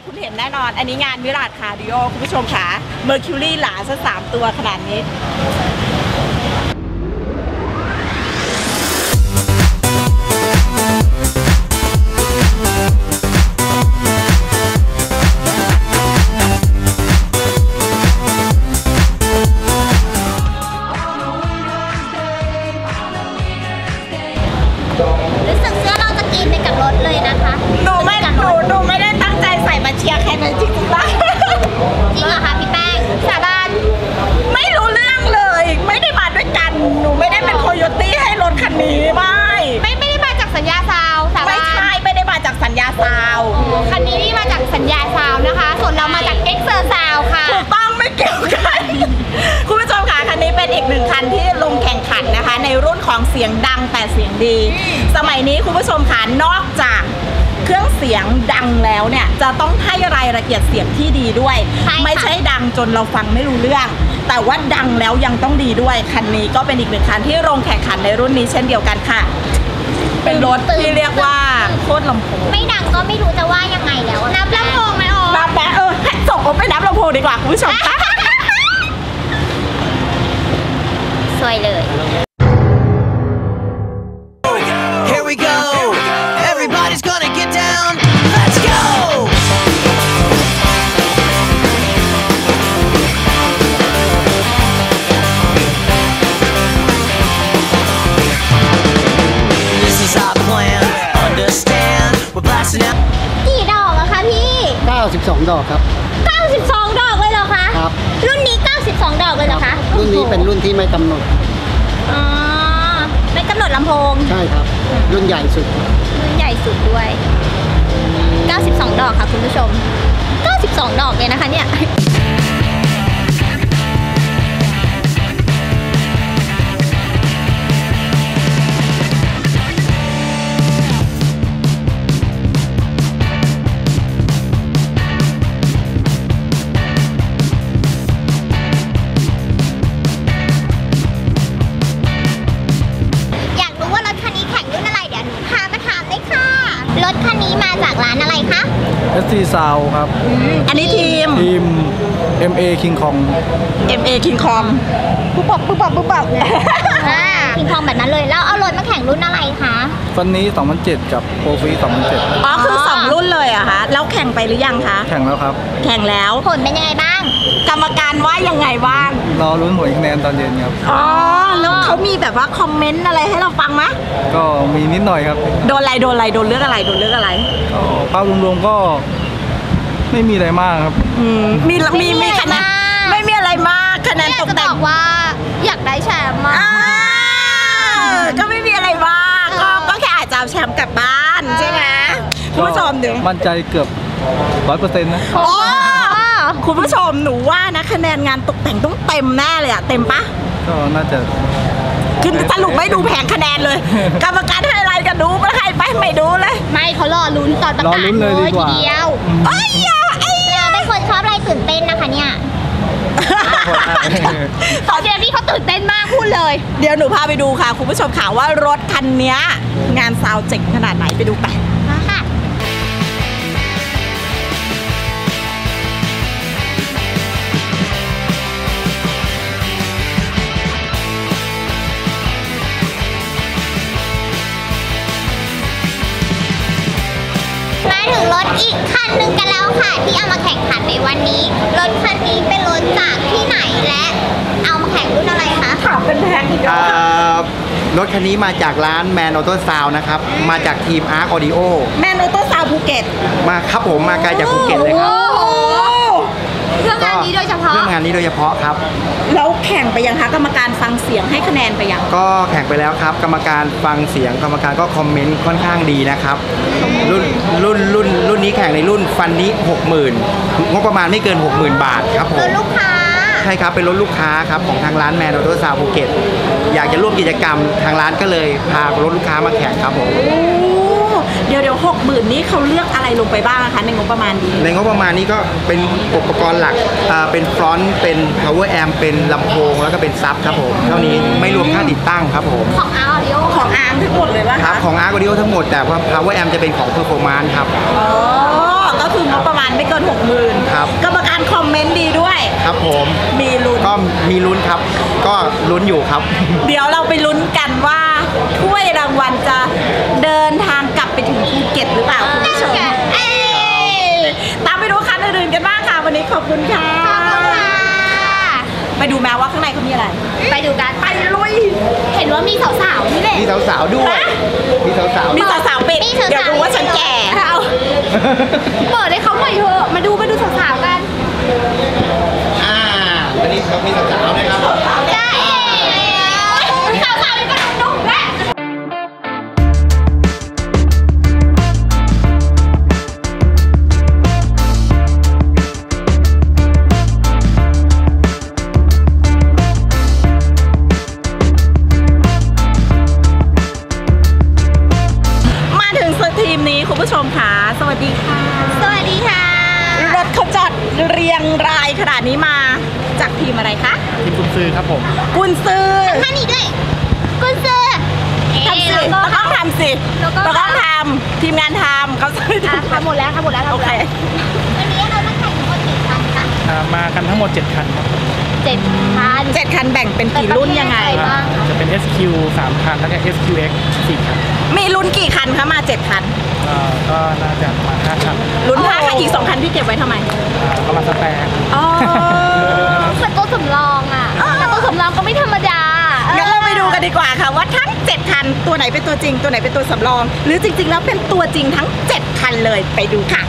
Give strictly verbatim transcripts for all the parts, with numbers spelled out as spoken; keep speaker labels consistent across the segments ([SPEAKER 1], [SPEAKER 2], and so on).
[SPEAKER 1] คุณเห็นแน่นอนอันนี้งานวิราชคาร์ดิโอคุณผู้ชมค่ะเมอร์คิวรี่หลาซะสามตัวขนาดนี้
[SPEAKER 2] รู้สึกเสื้อเราจะกินไปกับรถเลยนะคะ
[SPEAKER 1] หนูไม่หนูหนูไม่ได้ตั้งใจใส่มาเชียร์ใครเลยจริงๆป่ะ
[SPEAKER 2] จริงเหรอคะพี่แป้งสาบาน
[SPEAKER 1] ไม่รู้เรื่องเลยไม่ได้มาด้วยกันหนูไม่ได้เป็นโคโยตี้ให้รถคันนี้ไม่
[SPEAKER 2] ไม่ไม่ได้มาจากสัญญาซาวสาบาน
[SPEAKER 1] ไม่ใช่ไม่ได้มาจากสัญญาซาว
[SPEAKER 2] คันนี้นี่มาจากสัญญาซาวนะคะส่วนเรามาจากเอ็กเซอร์ซาวค่ะ
[SPEAKER 1] ถูกต้องไม่เกี่ยวกันคุณผู้ชมค่ะคันนี้เป็นอีกหนึ่งคันที่ลงแข่งขันนะคะในรุ่นของเสียงดังแต่เสียงดีสมัยนี้คุณผู้ชมค่ะนอกจากเครื่องเสียงดังแล้วเนี่ยจะต้องให้รายละเอียดเสียงที่ดีด้วยไม่ใช่ดังจนเราฟังไม่รู้เรื่องแต่ว่าดังแล้วยังต้องดีด้วยคันนี้ก็เป็นอีกหนึ่งคันที่ลงแข่งขันในรุ่นนี้เช่นเดียวกันค่ะเป็นรถที่เรียกว่าโคตรลำโพง
[SPEAKER 2] ไม่ดังก็ไม่รู้จะว่ายังไงแล้วนับลำโพงไหมอ๋อ
[SPEAKER 1] นับแป๊ะเออส่งผมไปนับลำโพงดีกว่าคุณผู้ชมค่ะ
[SPEAKER 2] สวยเลย
[SPEAKER 3] Here we go Everybody's gonna get down Let's go This is our plan Understand We're blasting out
[SPEAKER 2] กี่ดอกอะคะพี่
[SPEAKER 4] เก้าสิบสองดอกครับ
[SPEAKER 2] เก้าสิบสองดอกเลยเหรอคะ
[SPEAKER 4] ครับ
[SPEAKER 2] รุ่นนี้เก้าสิบสองดอกเลยเหรอคะ
[SPEAKER 4] รุ่นนี้เป็นรุ่นที่ไม่กำหนด
[SPEAKER 2] อ๋อไม่กำหนดลำโพง
[SPEAKER 4] ใช่ครับรุ่นใหญ่สุด
[SPEAKER 2] รุ่นใหญ่สุดด้วยเก้าสิบสองดอกค่ะคุณผู้ชมเก้าสิบสองดอกเลยนะคะเนี่ยรถคันนี้มาจากร้านอะไรคะ
[SPEAKER 5] เอส ที Sound ครับ
[SPEAKER 1] อันนี้ทีม
[SPEAKER 5] ทีม เอ็ม เอ King Kong
[SPEAKER 1] เอ็ม เอ King Kong ปุ๊บปับปุ๊บปับปุ๊บปับเนี่ย
[SPEAKER 2] King Kong แบบนั้นเลยแล้วเอารถมาแข่งรุ่นอะไรคะ
[SPEAKER 5] ฟันนี้สองพันเจ็ดกับโปรฟีสองพันเจ็ด
[SPEAKER 1] อ๋อคือสองรุ่นเลยอะคะแล้วแข่งไปหรือยังคะ
[SPEAKER 5] แข่งแล้วครับ
[SPEAKER 1] แข่งแล้ว
[SPEAKER 2] ผลเป็นยังไงบ้าง
[SPEAKER 1] กรรมการว่ายังไงบ้าง
[SPEAKER 5] รอลุ้นผลคะแนนตอนเย็นครับ
[SPEAKER 1] อ๋อแล้วเขามีแบบว่าคอมเมนต์อะไรให้เราฟังไหม
[SPEAKER 5] ก็มีนิดหน่อยครับ
[SPEAKER 1] โดนอะไรโดนอะไรโดนเรื่องอะไรโดนเรื่องอะไร
[SPEAKER 5] ก็ภาพรวมๆก็ไม่มีอะไรมากครับ
[SPEAKER 1] มีมีมีคะแนนไม่มีอะไรมากคะแนนตกแต่ง
[SPEAKER 2] บอกว่าอยากได้แชมป์มา
[SPEAKER 1] ก็ไม่มีอะไรมากก็ก็แค่อาจจะเอาแชมป์กลับบ้านใช่ไหมคุณผู้ชมเดี๋ยว
[SPEAKER 5] มั่นใจเกือบร้อยเปอร์เซ็นต์นะ
[SPEAKER 1] คุณผู้ชมหนูว่านะคะแนนงานตกแต่งต้องเต็มแน่เลยอะเต็มปะ
[SPEAKER 5] ก็น่าจะ
[SPEAKER 1] คือสรุปไม่ดูแผงคะแนนเลยกรรมการให้อะไรกันดูไม่ให้ไปไม่ดูเลย
[SPEAKER 2] ไม่เขารอลุ้นตอนประกาศเลยทีเดียว
[SPEAKER 1] ไอ้ยาไอ้ยา
[SPEAKER 2] เป็นคนชอบอะไรตื่นเต้นนะคะเนี่ยตอนเดียวนี่เขาตื่นเต้นมากพูดเลย
[SPEAKER 1] เดี๋ยวหนูพาไปดูค่ะคุณผู้ชมค่ะว่ารถคันนี้งานซาวเจ๋งขนาดไหนไปดูไป
[SPEAKER 2] ค่ะมาถึงรถอีกคันหนึ่งกันแล้วค่ะที่เอามาแข่งขันในวันนี้รถคันนี้เป็นรถจากที่ไหนและเอามาแข่งรุ่นอะไรคะ
[SPEAKER 1] ถามเป็นแพงอีกแล้ว
[SPEAKER 6] รถคันนี้มาจากร้าน Man Auto Sound นะครับมาจากทีม Arc Audio
[SPEAKER 1] Man Auto Sound ภูเก็ต
[SPEAKER 6] มาครับผมมาไกลจากภูเก็ตเลยครับ
[SPEAKER 2] เรื่องงานนี้โดยเฉพาะ
[SPEAKER 6] เรื่องงานนี้โดยเฉพาะครับ
[SPEAKER 1] แล้วแข่งไปยังคะกรรมการฟังเสียงให้คะแนนไปยัง
[SPEAKER 6] ก็แข่งไปแล้วครับกรรมการฟังเสียงกรรมการก็คอมเมนต์ค่อนข้างดีนะครับรุ่นรุ่นรุ่นรุ่นนี้แข่งในรุ่นฟันนี้ หกหมื่น งบประมาณไม่เกิน หกหมื่น บาทครับผม
[SPEAKER 2] ลูกค้า
[SPEAKER 6] ใช่ครับเป็นรถลูกค้าครับของทางร้าน Man Auto Sound ภูเก็ตอยากจะร่วมกิจกรรมทางร้านก็เลยพารถลูกค้ามาแข่งครับผม
[SPEAKER 1] เดี๋ยวเดี๋ยวหกหมื่นนี้เขาเลือกอะไรลงไปบ้างคะในงบประมาณนี้
[SPEAKER 6] ในงบประมาณนี้ก็เป็นอุปกรณ์หลักเป็นฟรอนต์เป็น power amp เป็นลำโพงแล้วก็เป็นซับครับผมเท่านี้ไม่รวมค่าติดตั้งครับผม
[SPEAKER 2] ของ Arc Audio
[SPEAKER 1] ของ Arc ทั้งหมดเลยว่า
[SPEAKER 6] ครับของ Arc Audio ทั้งหมดแต่ว่า power amp จะเป็นของ performance ครับ
[SPEAKER 1] อ๋อก็คืองบประมาณไม่เกินการคอมเมนต์ดีด้วย
[SPEAKER 6] ครับผม
[SPEAKER 1] มีลุ้น
[SPEAKER 6] ก็มีลุ้นครับ ก็ลุ้นอยู่ครับ
[SPEAKER 1] เดี๋ยวเราไปลุ้นกันว่าถ้วยรางวัลจะเดินทางกลับไปถึงภูเก็ตหรือเปล่าคุณผู้ชมตามไปดูคันอื่นๆกันบ้างค่ะวันนี้ขอบคุณค่ะไปดูแม้ว่าข้างในเขามีอะไร
[SPEAKER 2] ไปดูกัน
[SPEAKER 1] ไปลุย
[SPEAKER 2] เห็นว่ามีสาวๆนี่แหละ
[SPEAKER 6] มีสาวๆด้วย มีสาวๆ
[SPEAKER 1] มีสาวๆปิด
[SPEAKER 2] มีสาวๆ
[SPEAKER 1] เดี๋ยวดูว่าฉันแก่
[SPEAKER 2] เอาเปิดให้เขาหน่อยเถอะมาดูมาดูสาวๆกัน
[SPEAKER 6] อ่าวันนี้ครับมีสาวๆนะครับ
[SPEAKER 2] ได้สาวๆนี่ก็นุ่มๆแล้ว
[SPEAKER 1] มาถึงทีมนี้คุณผู้ชมค่ะสวัสดีค่ะ
[SPEAKER 2] สวัสดีค่ะ
[SPEAKER 1] รถเขาจอดเรียงรายขนาดนี้มาจากทีมอะไรคะ
[SPEAKER 5] ทีมกุญซือครับผม
[SPEAKER 1] กุนซือ
[SPEAKER 2] ท่านนี้ด้วยกุญซือ
[SPEAKER 1] ทำสิ
[SPEAKER 2] แล้วก็
[SPEAKER 1] เราต้องทำสิ
[SPEAKER 2] แล้วก็
[SPEAKER 1] เราต้องทำทีมงานทำเขาจะไม่
[SPEAKER 2] อ่ะ
[SPEAKER 1] ทำ
[SPEAKER 2] ทำหมดแล้วทำหมดแล้วทำห
[SPEAKER 1] โอ
[SPEAKER 2] มด
[SPEAKER 1] เค
[SPEAKER 2] แล้ววันนี้เรามาแข่งทั้งหมดกี่คันคะ
[SPEAKER 5] อ่ามากันทั้งหมด เจ็ด คันครับ
[SPEAKER 2] เจ็ดคัน
[SPEAKER 1] เจ็ดคันแบ่งเป็นกี่รุ่นยังไง
[SPEAKER 2] เป็นประเภทอะไรบ้าง
[SPEAKER 5] จะเป็น เอส คิว สาม คัน แล้วก็ เอส คิว เอ็กซ์ สี่ คัน
[SPEAKER 1] มีรุ่นกี่คันคะมาเจ็ดคัน
[SPEAKER 5] อ่าก็น่าจะประมาณห้าคัน
[SPEAKER 1] รุ่นห้าคันอีกสองคันพี่เก็บไว้ทำไม
[SPEAKER 5] อ่าก็มาสแปร์
[SPEAKER 1] อ๋อ
[SPEAKER 2] เหมือนตัวสำรองอ่ะแต่ตัวสำรองก็ไม่ธรรมดา
[SPEAKER 1] งั้นเราไปดูกันดีกว่าค่ะว่าทั้งเจ็ดคันตัวไหนเป็นตัวจริงตัวไหนเป็นตัวสำรอง หรือจริงๆแล้วเป็นตัวจริงทั้งเจ็ดคันเลยไปดูค่ะ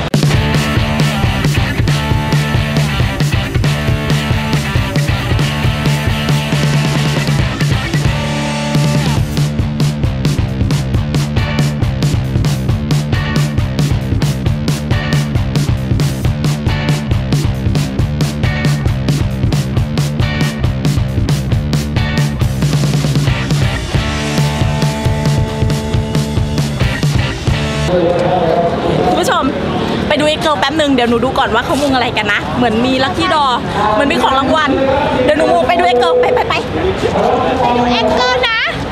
[SPEAKER 1] คุณผู้ชมไปดูไอ้เกิร์ลแป๊บหนึ่งเดี๋ยวหนูดูก่อนว่าเขามุงอะไรกันนะ เหมือนมีลัคกี้ดอเหมือนมีของรางวัลเดี๋ยวหนูไปดูไอ้เกิร์ลไปไปไป
[SPEAKER 2] ไปดูเอ็กเกิลนะ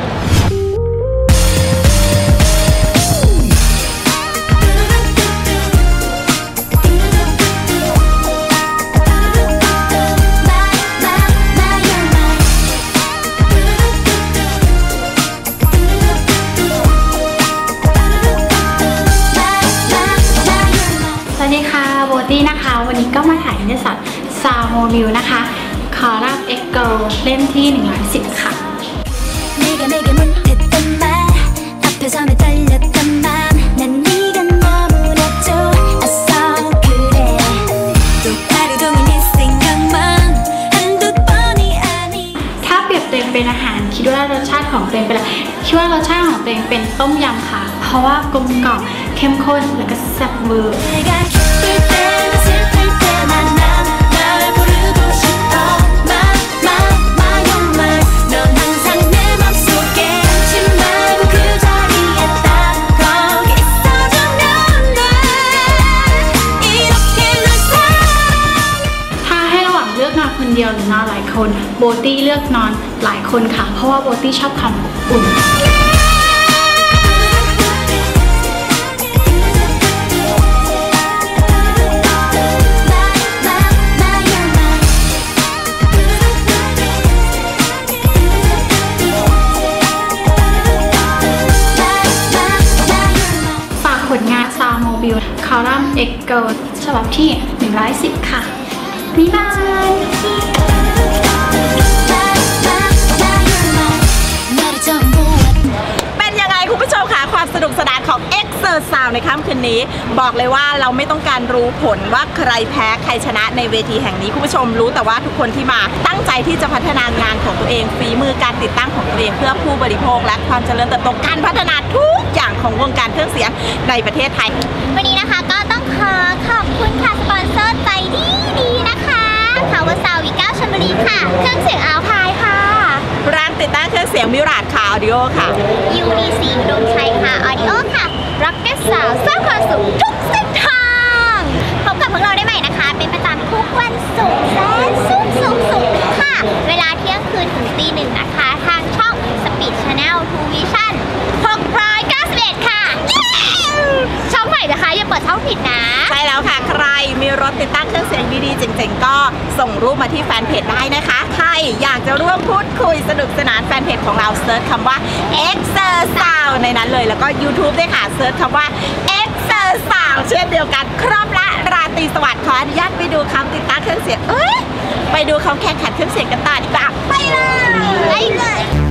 [SPEAKER 7] สวัสดีค่ะโบตี้นะคะ วันนี้ก็มาถ่ายนิตยสารซาวโมบิลนะคะคอลัมน์เอ็กเกิลเล่มที่หนึ่งร้อยสิบค่ะ
[SPEAKER 8] 내가 내게 못했던 말 앞에 서면 떨렸던 맘 난 네가 너무나 좋았어 그래 또 하루 종일 네 생각만 한두 번이 아니
[SPEAKER 7] ถ้าเปรียบตัวเองเป็นอาหารคิดว่ารสชาติของตัวเองเป็นอะไรคิดว่ารสชาติของตัวเองเป็นต้มยำค่ะ เพราะว่ากลมกล่อมเข้มข้นแล้วก็แซ่บเวอร์
[SPEAKER 8] 내가 기쁠 때나 슬플 때만 난 널 부르고 싶어 My my my oh my 넌 항상 내 맘속에 잊지 말고 그 자리에 딱 거기 있어주면 돼 이렇게 널 사랑해
[SPEAKER 7] ถ้าให้ระหว่างเลือกนอนคนเดียวหรือนอนหลายคนโบตี้เลือกนอนหลายคนค่ะ เพราะว่าโบตี้ชอบความอบอุ่น ฝากผลงานซาวโมบิลคอลัมน์เอ็กเกิลฉบับที่หนึ่งร้อยสิบค่ะบ๊ายบาย
[SPEAKER 8] 너를 처음 보았
[SPEAKER 1] เป็นยังไงคุณผู้ชมคะความสนุกสนานของ เอ็กเซอร์ Sound ในค่ำคืนนี้ บอกเลยว่าเราไม่ต้องการรู้ผลว่าใครแพ้ใครชนะในเวทีแห่งนี้คุณผู้ชมรู้แต่ว่าทุกคนที่มาตั้งใจที่จะพัฒนางานของตัวเองฝีมือการติดตั้งของตัวเองเพื่อผู้บริโภคและความเจริญเติบโตการพัฒนาทุกอย่างของวงการเครื่องเสียงในประเทศไทย
[SPEAKER 2] วันนี้นะคะก็ต้องขอขอบคุณค่ะสปอนเซอร์ใจดีดีๆนะคะพาวเวอร์ซาวด์วิก้าชลบุรีค่ะเครื่องเสียงอัลพายค่ะ
[SPEAKER 1] ร้านติดตั้งเครื่องเสียงมิราดคาออดิโอค่ะ
[SPEAKER 2] ยูดีซีอุดมชัยค่ะออดิโอค่ะร็อกเก็ตสาวสร้างความสุขทุกเส้นทางพบกับพวกเราได้ใหม่นะคะ เป็นประจำทุกวันศุกร์แสนสุขสุขสุขค่ะ เวลาเที่ยงคืนถึงตีหนึ่งนะคะ ทางช่อง Speed Channel ทู Vision หกร้อยเก้าสิบเอ็ดค่ะเย้ช่องใหม่นะคะอย่าเปิดช่องผิดนะ
[SPEAKER 1] ใช่แล้วค่ะใครมีรถติดตั้งเครื่องเสียงดีๆเจ๋งๆก็ส่งรูปมาที่แฟนเพจได้นะคะใครอยากจะร่วมพูดคุยสนุกสนานแฟนเพจของเราเซิร์ชคำว่า Exersound ในนั้นเลยแล้วก็ YouTube ด้วยค่ะเซิร์ชคำว่า Exersound เช่นเดียวกันครบละราตรีสวัสดิ์ขออนุญาตไปดูคำติดตั้งเครื่องเสียงเอ้ยไปดูเขาแข่งขันเครื่องเสียงกันต่อดีกว่าไปเลย
[SPEAKER 2] ไปเลย